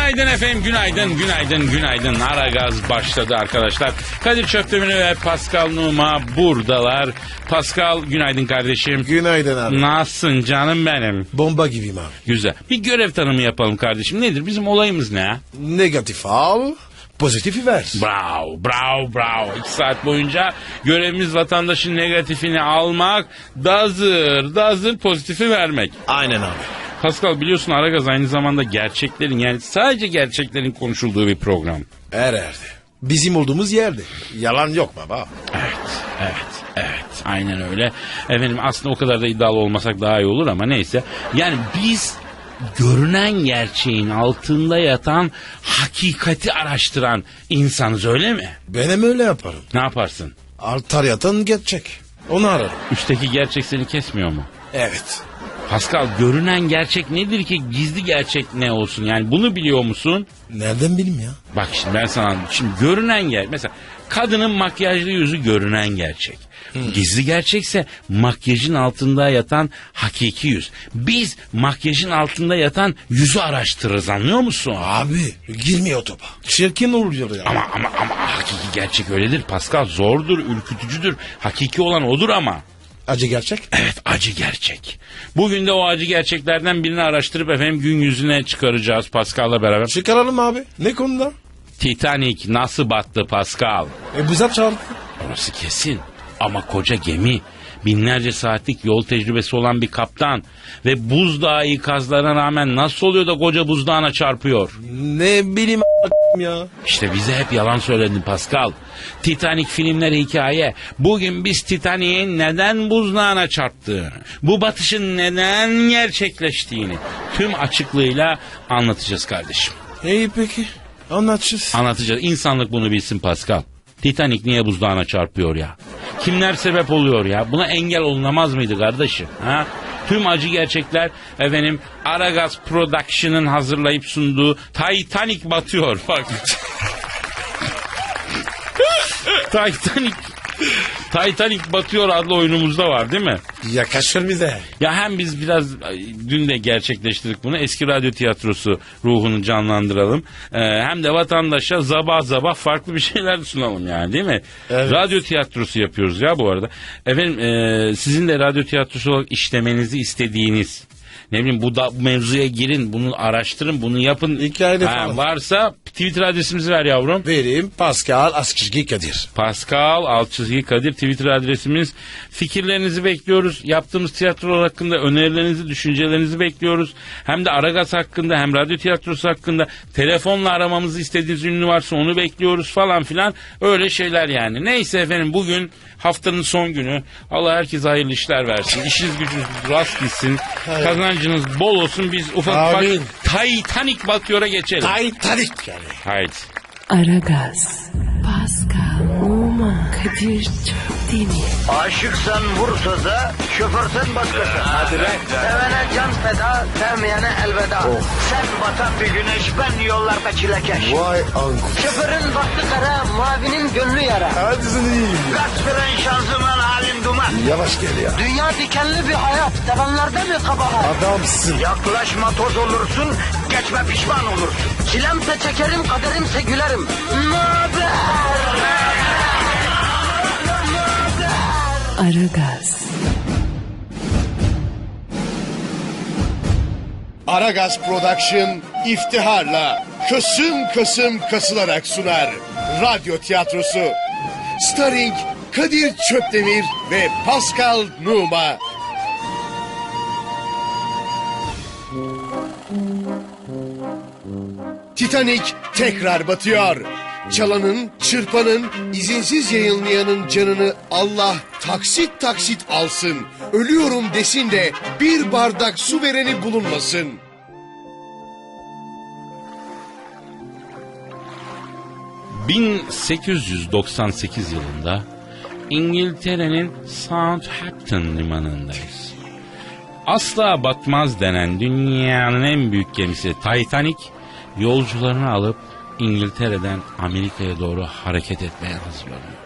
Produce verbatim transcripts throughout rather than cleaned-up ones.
Günaydın efendim, günaydın, günaydın, günaydın. Aragaz başladı arkadaşlar. Kadir Çöptemir ve Pascal Numa buradalar. Pascal, günaydın kardeşim. Günaydın abi. Nasılsın canım benim? Bomba gibiyim abi. Güzel. Bir görev tanımı yapalım kardeşim. Nedir? Bizim olayımız ne? Negatif al, pozitifi ver. Bravo, bravo, bravo. İki saat boyunca görevimiz vatandaşın negatifini almak, dazır, dazır pozitifi vermek. Aynen abi. Pascal, biliyorsun Aragaz aynı zamanda gerçeklerin, yani sadece gerçeklerin konuşulduğu bir program. Her yerde. Bizim olduğumuz yerde. Yalan yok baba. Evet, evet, evet. Aynen öyle. Efendim aslında o kadar da iddialı olmasak daha iyi olur ama neyse. Yani biz görünen gerçeğin altında yatan hakikati araştıran insanız, öyle mi? Ben hem öyle yaparım. Ne yaparsın? Altar yatan gerçek. Onu ararım. Üstteki gerçek seni kesmiyor mu? Evet. Pascal, görünen gerçek nedir ki gizli gerçek ne olsun? Yani bunu biliyor musun? Nereden bileyim ya? Bak şimdi ben sana şimdi görünen gerçek. Mesela kadının makyajlı yüzü görünen gerçek. Hmm. Gizli gerçekse makyajın altında yatan hakiki yüz. Biz makyajın altında yatan yüzü araştırırız, anlıyor musun? Abi girmiyor topa. Çirkin oluyor ya. Ama ama ama hakiki gerçek öyledir Pascal. Zordur, ürkütücüdür. Hakiki olan odur ama. Acı gerçek? Evet, acı gerçek. Bugün de o acı gerçeklerden birini araştırıp efendim gün yüzüne çıkaracağız Pascal'la beraber. Çıkaralım abi. Ne konuda? Titanic nasıl battı Pascal? E buza çarptı. Orası kesin. Ama koca gemi, binlerce saatlik yol tecrübesi olan bir kaptan ve buzdağı ikazlarına rağmen nasıl oluyor da koca buzdağına çarpıyor? Ne bileyim a- ya. İşte bize hep yalan söyledin Pascal. Titanic filmleri hikaye. Bugün biz Titanic'in neden buzdağına çarptığını, bu batışın neden gerçekleştiğini tüm açıklığıyla anlatacağız kardeşim. İyi peki. Anlatacağız. Anlatacağız. İnsanlık bunu bilsin Pascal. Titanic niye buzdağına çarpıyor ya? Kimler sebep oluyor ya? Buna engel olunamaz mıydı kardeşim? Ha? Tüm acı gerçekler efendim Aragaz Production'ın hazırlayıp sunduğu Titanic batıyor. Bak. Titanic Titanic batıyor adlı oyunumuzda var değil mi? Yakışır bize. Ya hem biz biraz dün de gerçekleştirdik bunu. Eski radyo tiyatrosu ruhunu canlandıralım. Ee, hem de vatandaşa zabah zabah farklı bir şeyler sunalım yani, değil mi? Evet. Radyo tiyatrosu yapıyoruz ya bu arada. Efendim e, sizin de radyo tiyatrosu olarak işlemenizi istediğiniz, ne bileyim bu, da, bu mevzuya girin, bunu araştırın, bunu yapın. Hikayede ha, falan. Varsa Twitter adresimizi ver yavrum. Vereyim. Pascal Askışgi Kadir. Pascal Altçizgi Kadir Twitter adresimiz. Fikirlerinizi bekliyoruz. Yaptığımız tiyatrolar hakkında önerilerinizi, düşüncelerinizi bekliyoruz. Hem de Aragaz hakkında hem radyo tiyatrosu hakkında telefonla aramamızı istediğiniz ünlü varsa onu bekliyoruz falan filan. Öyle şeyler yani. Neyse efendim, bugün haftanın son günü. Allah herkese hayırlı işler versin. İşiniz gücünüz rast gitsin. Kazancınız bol olsun. Biz ufak Amin. ufak Titanic batıyor'a geçelim. Titanic yani. Haydi. Aragaz, Pascal, Oman, Kadir çok değil mi? Aşıksan vursa da, şoförsen başkasın. Hadi be. Sevene can feda, sevmeyene elveda. Sen batan bir güneş, ben yollarda çilekeş. Vay anku. Şoförün baktı kara, mavinin gönlü yara. Hadi sen iyiyim ya. Kasperen şanzıman halin duman. Yavaş gel ya. Dünya dikenli bir hayat, sevenlerde mi kabahar? Adamsın. Yaklaşma toz olursun, geçme pişman olursun. Çilemse çekerim, kaderimse gülerim. Möber! Aragaz, Aragaz Production iftiharla kısım kısım kasılarak sunar. Radyo tiyatrosu. Starring Kadir Çöptemir ve Pascal Numa. Titanic tekrar batıyor. Çalanın, çırpanın, izinsiz yayınlayanın canını Allah taksit taksit alsın. Ölüyorum desin de bir bardak su vereni bulunmasın. bin sekiz yüz doksan sekiz yılında İngiltere'nin Southampton limanındayız. Asla batmaz denen dünyanın en büyük gemisi Titanic yolcularını alıp İngiltere'den Amerika'ya doğru hareket etmeye hazırlanıyor.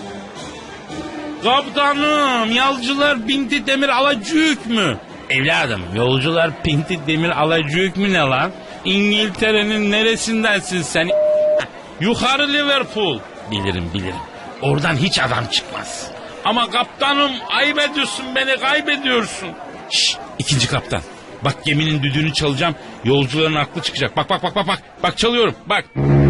Kaptanım, yolcular Pinti Demir Alacık mü? Evladım, yolcular Pinti Demir Alacık mü ne lan? İngiltere'nin neresindensin sen? Yukarı Liverpool. Bilirim bilirim. Oradan hiç adam çıkmaz. Ama kaptanım ayıp ediyorsun beni, kaybediyorsun. Şşş, ikinci kaptan. Bak geminin düdüğünü çalacağım. Yolcuların aklı çıkacak. Bak bak bak bak bak. Bak çalıyorum bak.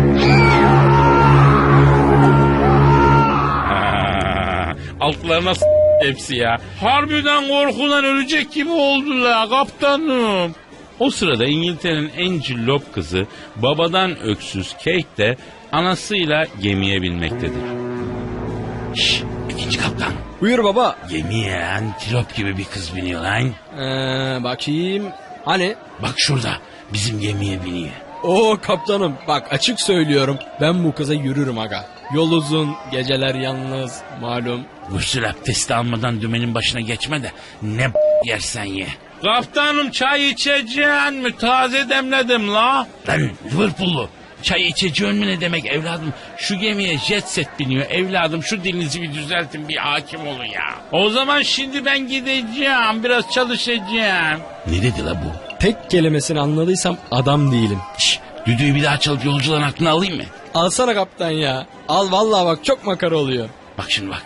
Ha, altlarına s- hepsi ya. Harbiden korkudan ölecek gibi oldular kaptanım. O sırada İngiltere'nin en cillop kızı babadan öksüz Kate de anasıyla gemiye binmektedir. Şşş, ikinci kaptan. Buyur baba. Gemiye antilop gibi bir kız biniyor lan. Ee, bakayım. Hani? Bak şurada bizim gemiye biniyor. Oo kaptanım bak açık söylüyorum. Ben bu kıza yürürüm aga. Yol uzun, geceler yalnız malum. Gusül abdesti almadan dümenin başına geçme de ne b- yersen ye. Kaptanım çay içeceğin mi? Taze demledim la. Lan Liverpool'lu. Çay içeceğin mi ne demek evladım? Şu gemiye jet set biniyor evladım. Şu dilinizi bir düzeltin, bir hakim olun ya. O zaman şimdi ben gideceğim. Biraz çalışacağım. Ne dedi la bu? Tek kelimesini anladıysam adam değilim. Şşş, düdüğü bir daha çalıp yolcuların aklını alayım mı? Alsana kaptan ya. Al vallahi bak çok makara oluyor. Bak şimdi bak.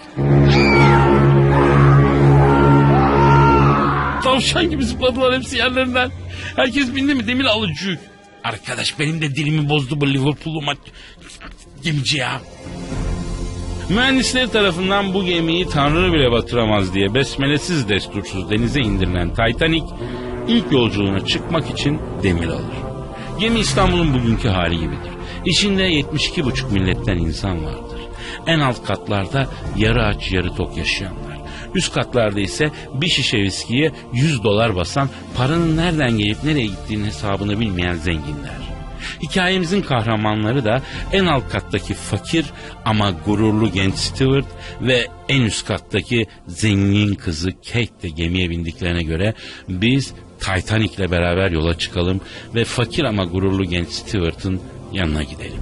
Tavşan gibi zıpladılar hepsi yerlerinden. Herkes bindi mi demir alıcı. Arkadaş benim de dilimi bozdu bu Liverpool'lu maç gemici ya. Mühendisler tarafından bu gemiyi Tanrı bile batıramaz diye besmelesiz destursuz denize indirilen Titanic ilk yolculuğuna çıkmak için demir alır. Gemi İstanbul'un bugünkü hali gibidir. İçinde yetmiş iki buçuk milletten insan vardır. En alt katlarda yarı aç yarı tok yaşayanlar. Üst katlarda ise bir şişe viskiye yüz dolar basan, paranın nereden gelip nereye gittiğinin hesabını bilmeyen zenginler. Hikayemizin kahramanları da en alt kattaki fakir ama gururlu genç Stewart ve en üst kattaki zengin kızı Kate de gemiye bindiklerine göre biz Titanic'le beraber yola çıkalım ve fakir ama gururlu genç Stewart'ın yanına gidelim.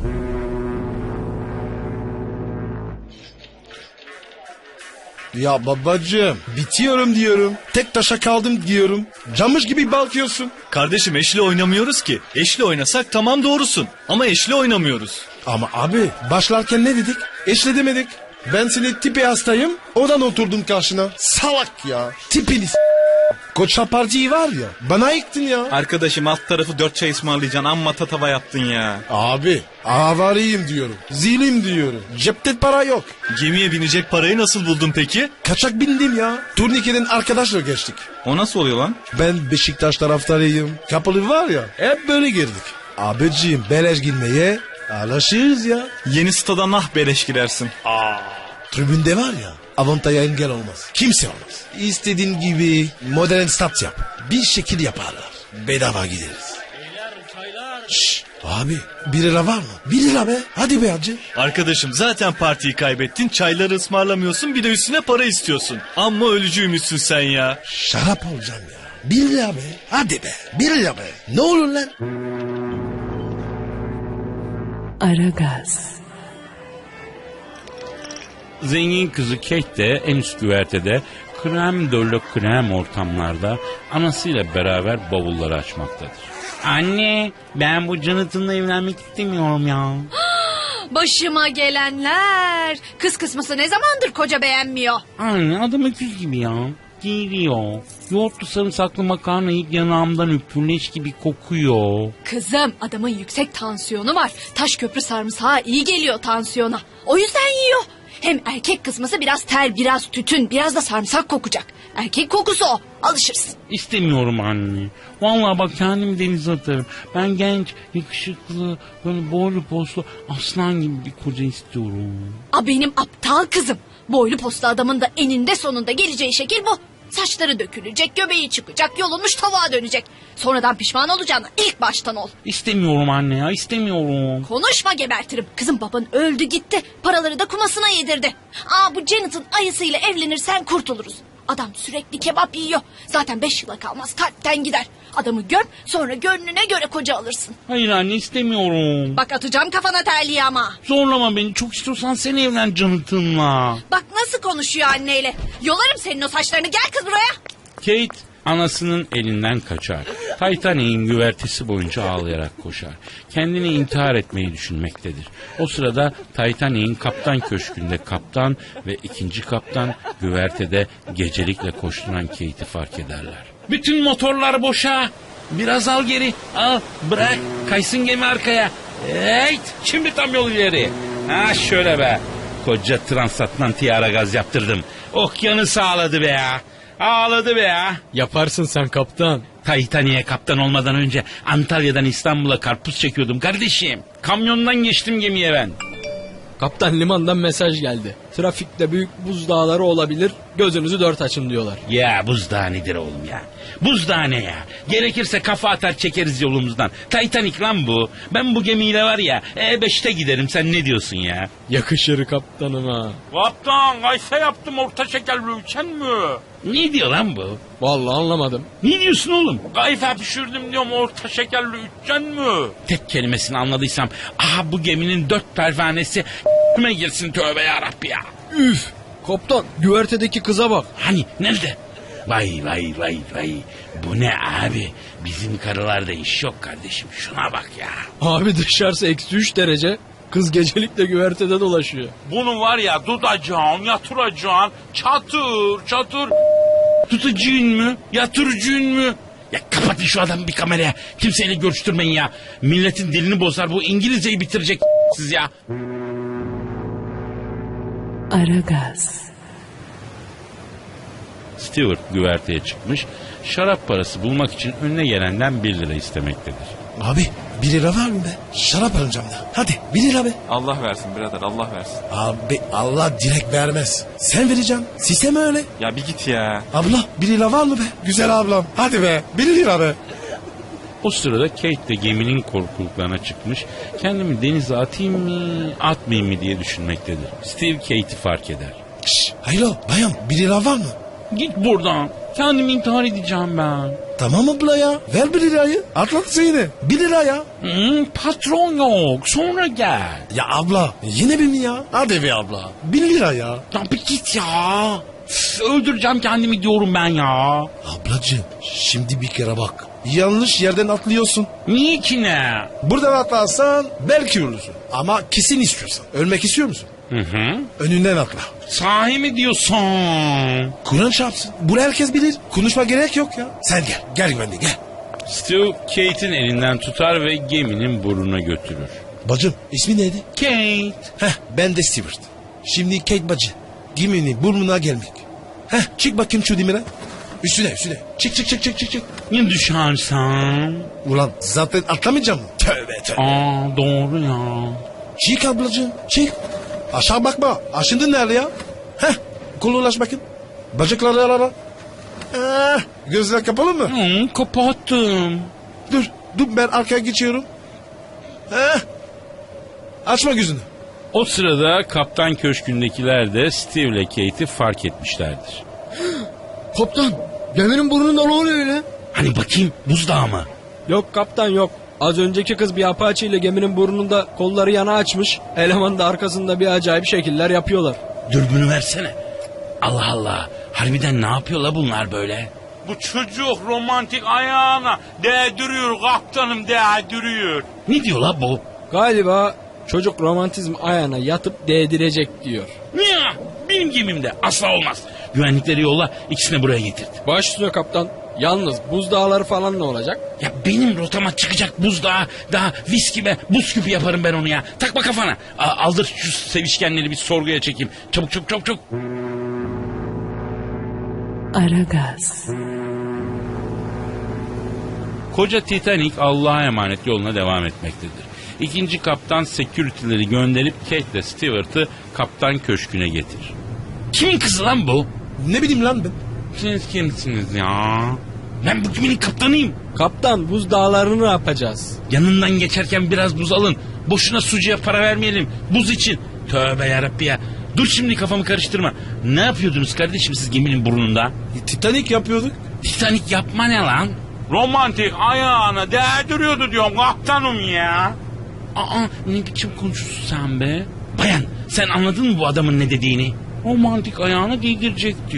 Ya babacığım bitiyorum diyorum. Tek taşa kaldım diyorum. Camış gibi bakıyorsun. Kardeşim eşli oynamıyoruz ki. Eşli oynasak tamam doğrusun. Ama eşli oynamıyoruz. Ama abi başlarken ne dedik? Eşle demedik. Ben senin tipi hastayım. Oradan oturdum karşına. Salak ya. Tipini s- Koça partiyi var ya. Bana yıktın ya. Arkadaşım alt tarafı dört çay ısmarlayacaksın. Amma tatava yaptın ya. Abi avariyim diyorum. Zilim diyorum. Cepte para yok. Gemiye binecek parayı nasıl buldun peki? Kaçak bindim ya. Turnikeden arkadaşla geçtik. O nasıl oluyor lan? Ben Beşiktaş taraftarıyım. Kapalı var ya. Hep böyle girdik. Abiciğim beleş girmeye alışırız ya. Yeni stada nah beleş girersin. Tribünde var ya avantaja engel olmaz. Kimse olmaz. İstediğin gibi modern stat yap. Bir şekil yaparlar. Bedava gideriz. Şşş abi bir lira var mı? Bir lira be. Hadi be hacı. Arkadaşım zaten partiyi kaybettin. Çayları ısmarlamıyorsun bir de üstüne para istiyorsun. Amma ölücüymüşsün sen ya. Şarap olacağım ya. Bir lira be. Hadi be. Bir lira be. Ne olur lan? Aragaz. Zengin kızı Kate de en üst güvertede krem dolu krem ortamlarda anasıyla beraber bavulları açmaktadır. Anne ben bu Jonathan'la evlenmek istemiyorum ya. Başıma gelenler. Kız kısması ne zamandır koca beğenmiyor. Anne adam öküz gibi ya. Geliyor. Yoğurtlu sarımsaklı makarna yiyip yanağımdan üpürleş gibi kokuyor. Kızım adamın yüksek tansiyonu var. Taş köprü sarımsağı iyi geliyor tansiyona. O yüzden yiyor. Hem erkek kısması biraz ter, biraz tütün, biraz da sarımsak kokacak. Erkek kokusu o. Alışırsın. İstemiyorum anne. Vallahi bak kendimi denize atarım. Ben genç, yakışıklı, böyle boylu poslu aslan gibi bir koca istiyorum. A benim aptal kızım. Boylu postlu adamın da eninde sonunda geleceği şekil bu. Saçları dökülecek, göbeği çıkacak, yolunmuş tavuğa dönecek. Sonradan pişman olacağına ilk baştan ol. İstemiyorum anne ya, istemiyorum. Konuşma gebertirim. Kızım baban öldü gitti. Paraları da kumasına yedirdi. Aa bu Janet'ın ayısıyla evlenirsen kurtuluruz. Adam sürekli kebap yiyor. Zaten beş yıla kalmaz kalpten gider. Adamı göm sonra gönlüne göre koca alırsın. Hayır anne istemiyorum. Bak atacağım kafana terliği ama. Zorlama beni, çok istiyorsan sen evlen Jonathan'la. Bak nasıl konuşuyor anneyle. Yolarım senin o saçlarını, gel kız buraya. Kate Anasının elinden kaçar. Titanic'in güvertesi boyunca ağlayarak koşar. Kendini intihar etmeyi düşünmektedir. O sırada Titanic'in kaptan köşkünde kaptan ve ikinci kaptan güvertede gecelikle koşturan Kate'i fark ederler. Bütün motorlar boşa. Biraz al geri. Al bırak. Kaysın gemi arkaya. Hey, şimdi tam yol ileri. Ha şöyle be. Koca transatlantiğe ara gaz yaptırdım. Okyanus sağladı be ya. Ağladı be ya. Yaparsın sen kaptan. Titanic'e kaptan olmadan önce Antalya'dan İstanbul'a karpuz çekiyordum kardeşim. Kamyondan geçtim gemiye ben. Kaptan limandan mesaj geldi. Trafikte büyük buzdağları olabilir. Gözünüzü dört açın diyorlar. Ya buzdağı nedir oğlum ya? Buzdağı ne ya? Gerekirse kafa atar çekeriz yolumuzdan. Titanic lan bu. Ben bu gemiyle var ya E beşte giderim, sen ne diyorsun ya? Yakışır kaptanıma. Kaptan kaysa yaptım orta şekerli uçan mı? Ne diyor lan bu? Vallahi anlamadım. Ne diyorsun oğlum? Kayfa pişirdim diyorum orta şekerli uçan mı? Tek kelimesini anladıysam aha bu geminin dört pervanesi kime girsin, tövbe yarabbi ya. Üf! Kaptan güvertedeki kıza bak. Hani nerede? Vay vay vay vay. Bu ne abi? Bizim karılarda iş yok kardeşim. Şuna bak ya. Abi dışarısı eksi üç derece. Kız gecelikle güvertede dolaşıyor. Bunu var ya tutacaksın, yatıracaksın. Çatır çatır. Tutucun mu? Yatırıcın mı? Ya kapatın şu adamı bir kameraya. Kimseyle görüştürmeyin ya. Milletin dilini bozar. Bu İngilizceyi bitirecek siz ya. Aragaz. Stewart güverteye çıkmış. Şarap parası bulmak için önüne gelenden bir lira istemektedir. Abi bir lira var mı be? Şarap alacağım da. Hadi bir lira be. Allah versin birader, Allah versin. Abi Allah direkt vermez. Sen vereceksin. Sistem öyle. Ya bir git ya. Abla bir lira var mı be? Güzel ablam. Hadi be bir lira be. O sırada Kate de geminin korkuluklarına çıkmış. Kendimi denize atayım mı, atmayayım mı diye düşünmektedir. Steve Kate'i fark eder. Şşş haylo bayan bir lira var mı? Git buradan. Kendimi intihar edeceğim ben. Tamam abla ya. Ver bir lirayı. Atlat seni. Bir lira ya. Hmm, patron yok. Sonra gel. Ya abla yine bir mi ya? Hadi be abla. Bir lira ya. Ya bir git ya. Üf, öldüreceğim kendimi diyorum ben ya. Ablacığım şimdi bir kere bak. Yanlış yerden atlıyorsun. Niye ki ne? Buradan atlarsan belki ölürsün. Ama kesin istiyorsan. Ölmek istiyor musun? Hı hı. Önünden atla. Sahi mi diyorsun? Kur'an çarpsın. Bunu herkes bilir. Konuşma gerek yok ya. Sen gel. Gel güvenli gel. Stu Kate'in elinden tutar ve geminin burnuna götürür. Bacım ismi neydi? Kate. Heh ben de Stewart. Şimdi Kate bacı. Geminin burnuna gelmek. Heh çık bakayım şu dimire. Üstüne üstüne. Çık çık çık çık çık. çık. Ya düşersen? Ulan zaten atlamayacağım mı? Tövbe tövbe. Aa doğru ya. Çık ablacığım çık. Aşağı bakma. Aşındın nerede ya? Heh kolu ulaş bakayım. Bacakları ara. Eh, gözler kapalı mı? Hı, kapattım. Dur dur ben arkaya geçiyorum. Heh. Açma gözünü. O sırada kaptan köşkündekiler de Steve ile Kate'i fark etmişlerdir. Kaptan geminin burnunda ne oluyor öyle? Hani bakayım buzdağı mı? Yok kaptan yok. Az önceki kız bir apaçi ile geminin burnunda kolları yana açmış. Eleman da arkasında bir acayip şekiller yapıyorlar. Dürbünü versene. Allah Allah. Harbiden ne yapıyorlar bunlar böyle? Bu çocuk romantik ayağına değdiriyor kaptanım değdiriyor. Ne diyor la bu? Galiba çocuk romantizm ayağına yatıp değdirecek diyor. Niye? Benim gemimde asla olmaz. Güvenlikleri yolla, ikisini buraya getirdi. Baş üstüne kaptan. Yalnız buzdağları falan ne olacak? Ya benim rotama çıkacak buzdağı, daha viski ve buz küpü yaparım ben onu ya. Takma kafana. A- aldır şu sevişkenleri bir sorguya çekeyim. Çabuk çabuk çabuk çabuk. Aragaz. Koca Titanic Allah'a emanet yoluna devam etmektedir. İkinci kaptan security'leri gönderip Kate ile Stewart'ı kaptan köşküne getirir. Kimin kızı lan bu? Ne bileyim lan ben. Siz kimsiniz ya? Ben bu geminin kaptanıyım. Kaptan buzdağlarını ne yapacağız? Yanından geçerken biraz buz alın. Boşuna sucuya para vermeyelim. Buz için. Tövbe yarabbi ya. Dur şimdi kafamı karıştırma. Ne yapıyordunuz kardeşim siz geminin burnunda? E, Titanic yapıyorduk. Titanic yapma ne lan? Romantik ayağına değdiriyordu diyorum kaptanım ya. Aa ne biçim konuşuyorsun sen be? Bayan sen anladın mı bu adamın ne dediğini? Romantik ayağına değdirecek diyor.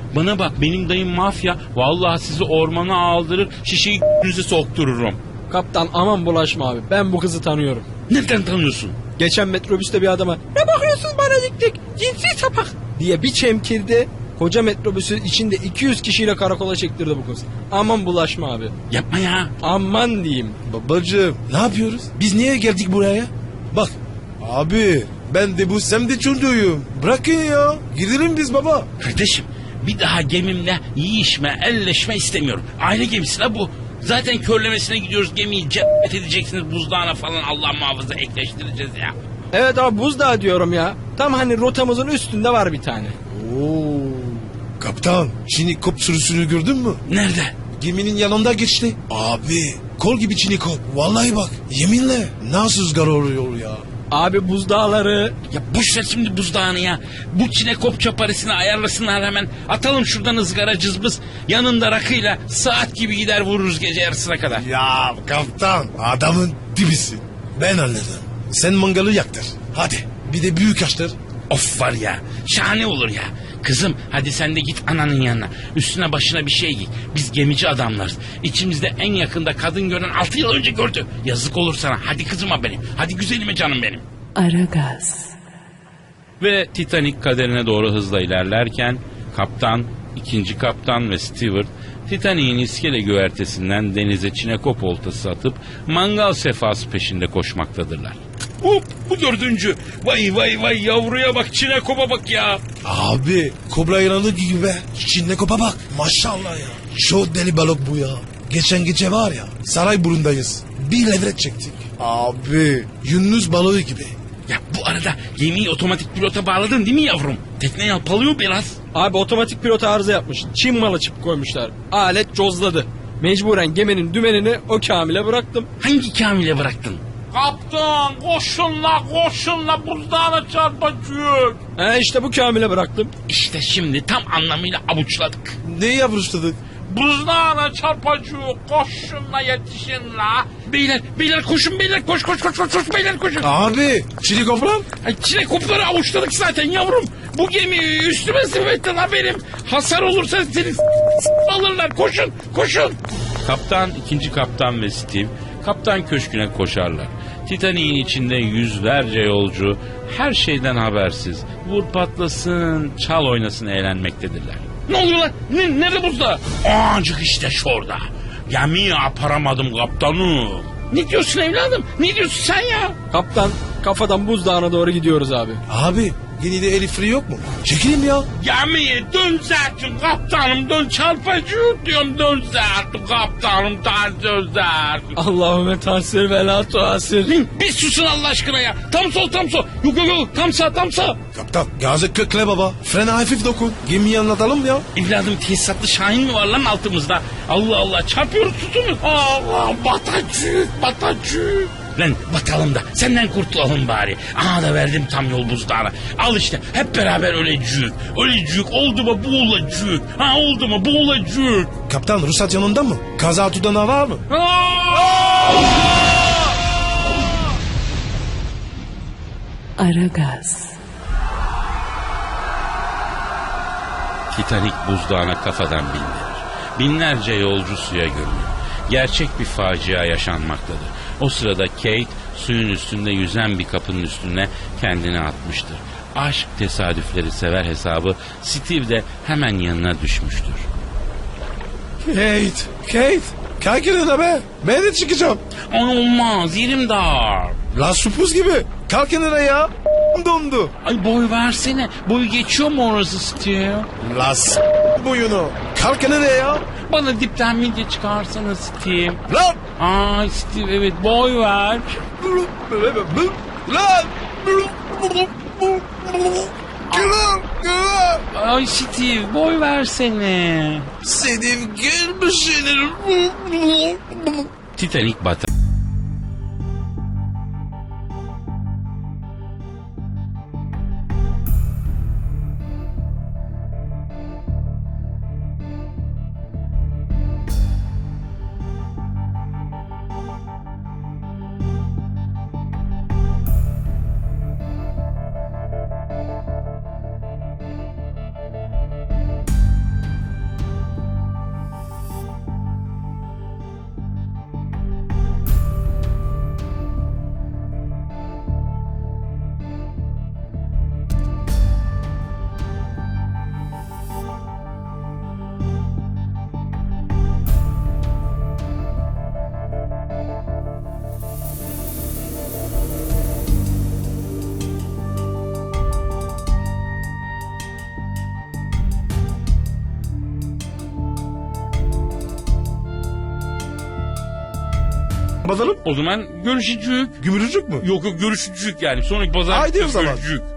Bana bak benim dayım mafya. Vallahi sizi ormana aldırır şişeyi yüzü soktururum. Kaptan aman bulaşma abi. Ben bu kızı tanıyorum. Nereden tanıyorsun? Geçen metrobüste bir adama ne bakıyorsunuz bana dik dik cinsi sapak diye bir çemkirdi. Koca metrobüsün içinde iki yüz kişiyle karakola çektirdi bu kız. Aman bulaşma abi. Yapma ya. Aman diyeyim. Babacığım ne yapıyoruz? Biz niye geldik buraya? Bak abi ben de bu sem de çocuğuyum. Bırakın ya. Gidelim biz baba. Kardeşim bir daha gemimle yiyişme, elleşme istemiyorum. Aile gemisi la bu. Zaten körlemesine gidiyoruz, gemiyi cephet edeceksiniz buzdağına falan, Allah muhafaza ekleştireceğiz ya. Evet abi buzdağı diyorum ya. Tam hani rotamızın üstünde var bir tane. Oo. Kaptan çinikop sürüsünü gördün mü? Nerede? Geminin yanında geçti. Abi kol gibi çinikop. Vallahi bak yeminle nasıl rüzgar oluyor ya. Abi buzdağları. Ya boş ver şimdi buzdağını ya. Bu çinekop çaparisini ayarlasınlar hemen. Atalım şuradan ızgara cızbız. Yanında rakıyla saat gibi gider vururuz gece yarısına kadar. Ya kaptan adamın dibisin. Ben anladım. Sen mangalı yaktır. Hadi bir de büyük açtır. Of var ya, şahane olur ya. Kızım hadi sen de git ananın yanına. Üstüne başına bir şey giy. Biz gemici adamlarız. İçimizde en yakında kadın gören altı yıl önce gördü. Yazık olur sana. Hadi kızıma benim. Hadi güzelime canım benim. Aragaz, Ve Titanic kaderine doğru hızla ilerlerken kaptan, ikinci kaptan ve Stewart Titanic'in iskele güvertesinden denize çinekop oltası atıp mangal sefası peşinde koşmaktadırlar. Hop, bu dördüncü. Vay vay vay yavruya bak, çinekopa bak ya. Abi kobra yılanı gibi be. Çinikopa bak maşallah ya. Çok deli balık bu ya. Geçen gece var ya Sarayburnu'ndayız. Bir levrek çektik. Abi Yunus balığı gibi. Ya bu arada gemiyi otomatik pilota bağladın değil mi yavrum? Tekne yalpalıyor biraz. Abi otomatik pilot arıza yapmış. Çin malı çip koymuşlar. Alet cozladı. Mecburen geminin dümenini o Kamil'e bıraktım. Hangi Kamil'e bıraktın? Kaptan koşun la koşun la buzdağına çarpacak. He işte bu Kamil'e bıraktım. İşte şimdi tam anlamıyla avuçladık. Ne yapıştırdık? Buzdağına çarpacak, koşun la yetişin la. Beyler beyler koşun beyler, koş koş koş koş, koş beyler koşun. Abi çinikop lan. Ay çinekopları avuçladık zaten yavrum. Bu gemi üstüme sıfetten haberim. Hasar olursa seni s- s- alırlar, koşun koşun. Kaptan, ikinci kaptan ve Steve kaptan köşküne koşarlar. Titanic'in içinde yüzlerce yolcu her şeyden habersiz vur patlasın çal oynasın eğlenmektedirler. Ne oluyor lan? Ne, nerede buzda? Ancak işte şurada. Gemiyi aparamadım kaptanım. Ne diyorsun evladım? Ne diyorsun sen ya? Kaptan kafadan buzdağına doğru gidiyoruz abi. Abi yine de eli free yok mu? Çekeyim ya. Gemiye dön zaten kaptanım, dön çarpıcı diyorum, dön zaten kaptanım, ters dön zaten. Allahümme tasir ve la tuasir. Lan bir susun Allah aşkına ya. Tam sol tam sol. Yok yok yok tam sağ tam sağ. Kaptan gazı kökle baba. Frene hafif dokun. Gemiyi anlatalım ya. Evladım tesisatlı Şahin mi var lan altımızda? Allah Allah çarpıyoruz susunuz. Allah batacık batacık. Lan batalım da senden kurtulalım bari. Aha da verdim tam yol buzdağına. Al işte hep beraber ölecük. Ölecük oldu mu boğulacık. Ha oldu mu boğulacık. Kaptan ruhsat yanında mı? Kaza tutanağı var mı? Aragaz, Titanic buzdağına kafadan bindirir. Binlerce yolcu suya gömülür. Gerçek bir facia yaşanmaktadır. O sırada Kate suyun üstünde yüzen bir kapının üstüne kendini atmıştır. Aşk tesadüfleri sever hesabı Steve de hemen yanına düşmüştür. Kate. Kate. Kalk yerine be. Ben de çıkacağım. Olmaz yerim dar. La supuz gibi. Kalk yerine ya. Dondu. Ay boy versene. Boyu geçiyor mu orası Steve? La s*** boyunu. Kalk yerine ya. Bana dipten midye çıkarsana Steve. Lan. Ay Steve evet boy ver. Lan. Ay Steve boy versene. Senin gelmişsin. Titanic batar. Bakalım. O zaman görüşücük. Gümrücük mü? Yok yok görüşücük yani. Sonraki pazar Haydi o zaman. görüşücük.